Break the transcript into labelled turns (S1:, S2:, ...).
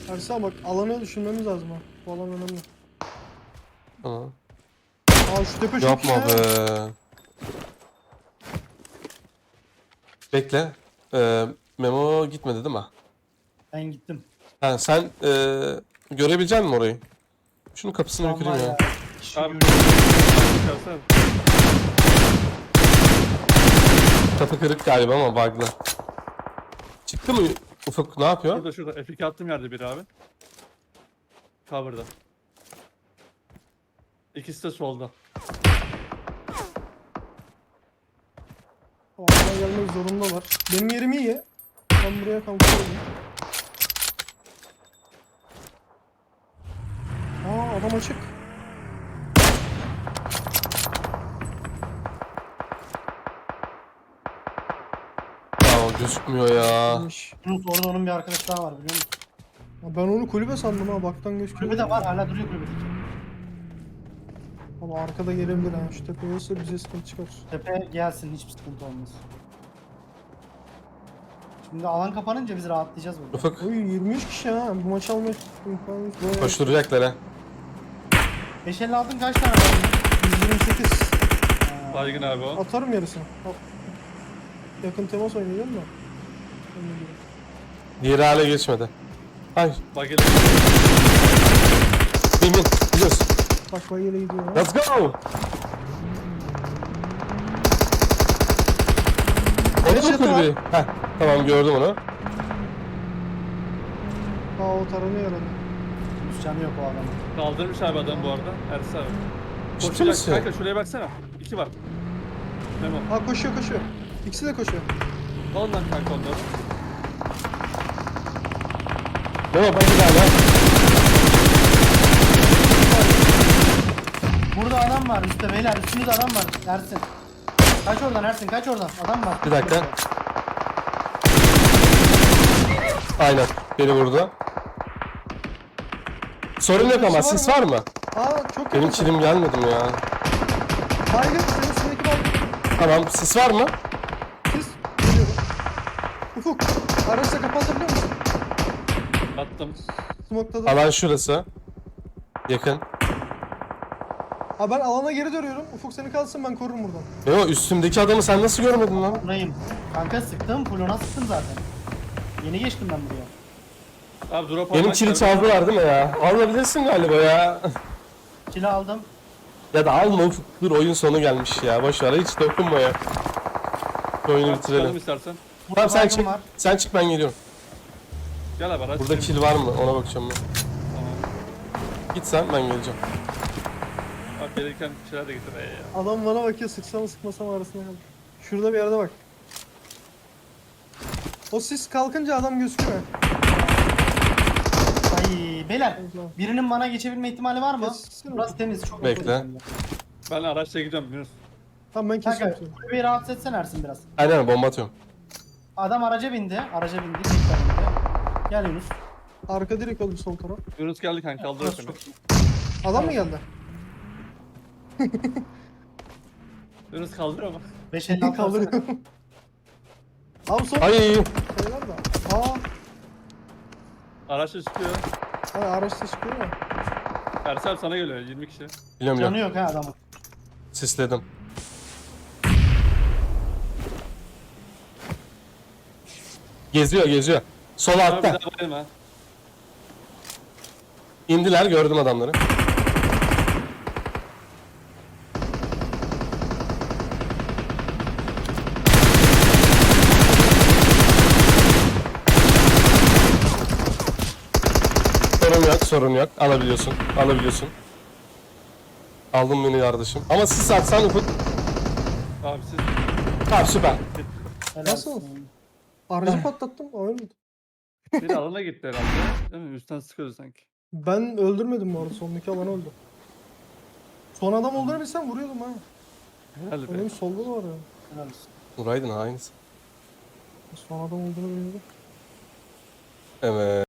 S1: Ersa bak alanı düşünmemiz lazım ha. Bu alan önemli.
S2: Tamam.
S1: Aa şu tepe çok
S2: Yapma
S1: iyi ha.
S2: be. Bekle. Memo gitmedi değil mi?
S3: Ben gittim.
S2: Ha, sen görebilecek misin orayı? Şunun kapısını bir
S3: Tam var
S2: kırayım ya.
S3: ya. Kişi
S4: Abi.
S3: görüyorum.
S4: Çıkarsana.
S2: Kapı kırık galiba ama bug'lı. Çıktı mı Ufuk, ne yapıyor?
S4: Şurada şurada. F2 attığım yerde biri abi. Cover'da. İkisi de solda.
S1: O alana gelmek zorundalar. Benim yerim iyi. Ben buraya kalkıyorum. Aa adam açık.
S2: Ya o gözükmüyor ya.
S1: Gelmiş.
S3: Yunus orada onun bir arkadaş daha var biliyor musun?
S1: Ya ben onu kulübe sandım ha. Baktan gözüküyor.
S3: Kulübede var hala duruyor kulübede.
S1: Ama arkada gelebilir ha. Şu tepe olursa bize sıkıntı çıkar.
S3: Tepe gelsin hiçbir sıkıntı olmaz. Şimdi alan kapanınca biz rahatlayacağız burada.
S2: Ufuk
S1: Oy 23 kişi ha. Bu maçı almak imkanı yok.
S2: koşturacaklar ha.
S3: 556'ın kaç tane var?
S1: 128.
S4: Baygın abi o.
S1: Atarım yarısını. Al. Yakın temas oynayacağım da. Öyle değil.
S2: Diğeri hale geçmedi. Ay,
S4: Bagel.
S2: bin bin. Gidiyoruz.
S1: Bak bayıyla gidiyor ha.
S2: Let's go. Onu mu
S1: Headshot'ı
S2: kırdı? Heh, tamam gördüm onu.
S1: Aa o taranıyor herhalde.
S3: Yunus canı yok o adamın.
S4: Kaldırmış abi adam bu arada. Ersin abi.
S2: Ciddi
S4: Koşacak
S2: misin?
S4: kanka şuraya baksana. İki var. Memo.
S1: Ha koşuyor koşuyor. İkisi de koşuyor.
S4: Al lan kanka onları.
S2: Memo ben bir daha lan.
S3: Burada adam var üstte beyler üstünüzde adam var Ersin. Kaç oradan Ersin kaç oradan adam var.
S2: Bir dakika. Aynen. Beni vurdu. Sorun yok ama sis var mı?
S1: Aa çok
S2: Benim
S1: yakın.
S2: kilim gelmedi mi ya?
S1: Baygın. Senin üstündeki baygın.
S2: Tamam, sis var mı?
S1: Siz. Geliyorum. Ufuk. Araçla kapatabiliyor musun?
S4: Attım.
S1: Smoke'da da.
S2: Alan şurası. Yakın.
S1: Ha ben alana geri dönüyorum. Ufuk seni kalsın ben korurum buradan.
S2: Memo üstümdeki adamı sen nasıl görmedin lan?
S3: Buradayım. Kanka sıktım fulona sıktım zaten. Yeni geçtim ben buraya.
S4: Abi drop
S2: Benim
S4: almak
S2: kili
S4: istedim.
S2: çaldılar değil mi ya? Alabilirsin galiba ya.
S3: Kili aldım.
S2: Ya da alma Ufuk. Dur oyun sonu gelmiş ya. Boş ver hiç dokunma ya. Şu oyunu
S4: Abi çıkalım
S2: bitirelim.
S4: istersen.
S3: Burada
S2: Tamam sen
S3: baygın
S2: çık.
S3: var.
S2: Sen çık ben geliyorum.
S4: Gel abi araç.
S2: Burada kill var mı? Ona bakacağım ben.
S4: Tamam.
S2: Git sen ben geleceğim.
S4: Abi gelirken bir şeyler de getir. Ya.
S1: Adam bana bakıyor sıksam sıkmasam arasında kaldı. Şurada bir yerde bak. O sis kalkınca adam gözüküyor.
S3: Ay beyler birinin bana geçebilme ihtimali var mı?
S1: Geçsene.
S3: Burası temiz çok
S2: Bekle.
S3: mutlu.
S4: Ben araçla gidiyorum Yunus.
S1: Tamam ben
S3: Kanka
S1: kesiyorum seni.
S3: kulübeyi rahatsız etsen Ersin biraz.
S2: Aynen bomba atıyorum.
S3: Adam araca bindi. Araca bindi. Tekrar bindi. Gel Yunus.
S1: Arka direkt oğlum sol taraf.
S4: Yunus geldi kanka kaldırır
S3: Burası
S4: seni.
S3: çok iyi.
S1: Adam mı geldi?
S4: Yunus kaldırıyor mu?
S3: 556
S1: Kaldırıyor. Abi sol
S2: Ay
S1: şeyler de. Aa.
S4: Araçla çıkıyor.
S1: Hani araçta çıkıyor ya.
S4: Ersin abi sana geliyor 20 kişi.
S2: biliyorum
S3: Canı
S2: ya.
S3: yok ha adamın.
S2: Sisledim. Geziyor geziyor. Sol
S4: Abi bir
S2: altta.
S4: daha bayılma.
S2: İndiler gördüm adamları. Sorun yok, sorun yok. Alabiliyorsun, alabiliyorsun. Aldım beni kardeşim. Ama sis atsan Ufuk.
S4: Abi siz
S2: Tamam süper.
S3: Helal
S1: Nasıl?
S3: olsun.
S1: Aracı patlattım. O ölmedi.
S4: bir alana gitti herhalde. Değil mi? Üstten sıkıyordu sanki.
S1: Ben öldürmedim bu arada. Sondaki alan öldü. Son adam olduğunu bilsem vuruyordum ha.
S4: Helal be.
S1: Benim solda da var ya.
S3: Helal olsun.
S2: Vuraydın aynısı.
S1: Son adam olduğunu bilmiyordum.
S2: Evet.